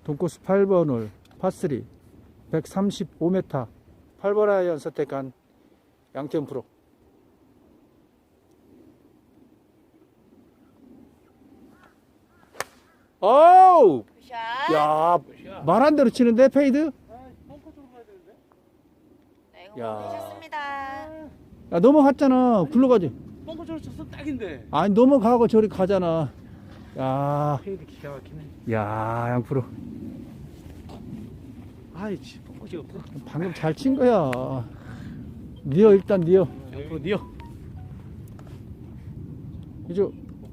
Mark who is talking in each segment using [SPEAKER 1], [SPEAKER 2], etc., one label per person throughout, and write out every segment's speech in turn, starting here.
[SPEAKER 1] 돈코스 8번 홀 파3 135m 8번 아이언 선택한 양태현 프로. 어우!
[SPEAKER 2] 굿샷.
[SPEAKER 1] 야, 말한 대로 치는데 페이드?
[SPEAKER 3] 벙커 쪽으로 가야 되는데?
[SPEAKER 2] 네,
[SPEAKER 1] 야.
[SPEAKER 2] 공부하셨습니다.
[SPEAKER 1] 야, 넘어갔잖아. 굴러가지.
[SPEAKER 3] 벙커 쪽으로 쳤으면 딱인데.
[SPEAKER 1] 아니, 넘어가고 저리 가잖아. 야,
[SPEAKER 3] 페이드 기가 막히네.
[SPEAKER 1] 야, 양 프로.
[SPEAKER 3] 아이, 씨, 벙커 찍었구나.
[SPEAKER 1] 방금 잘 친 거야. 니어 일단 니어.
[SPEAKER 3] 앞으로 니어.
[SPEAKER 1] 이제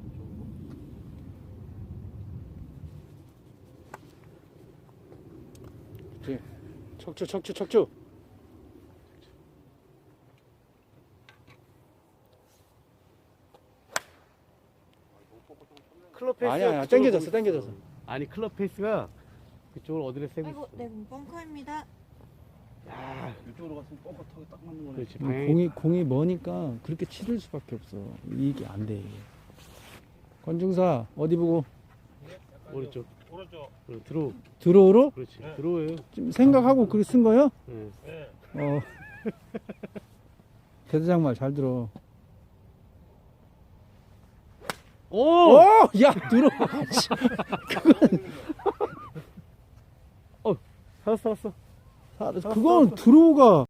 [SPEAKER 1] 척추.
[SPEAKER 3] 클럽 페이스.
[SPEAKER 1] 아니야, 땡겨졌어.
[SPEAKER 3] 아니, 클럽 페이스가 그쪽으로 어디를 세고
[SPEAKER 2] 아이고,
[SPEAKER 3] 있어.
[SPEAKER 2] 네, 벙커입니다.
[SPEAKER 3] 야,
[SPEAKER 4] 이쪽으로 갔으면 벙커 타기 딱 맞는 거네.
[SPEAKER 3] 그렇지.
[SPEAKER 1] 공이 머니까 그렇게 치를 수밖에 없어. 이게 안 돼. 권중사 어디 보고
[SPEAKER 3] 오른쪽. 들어오.
[SPEAKER 1] 들어오로?
[SPEAKER 3] 그렇지. 들어오예요.
[SPEAKER 1] 좀 생각하고 그렇게 쓴 거예요?
[SPEAKER 3] 네.
[SPEAKER 1] 대대장 말 잘 들어.
[SPEAKER 3] 오!
[SPEAKER 1] 야, 들어.
[SPEAKER 3] 살았어.
[SPEAKER 1] 그건 들어오가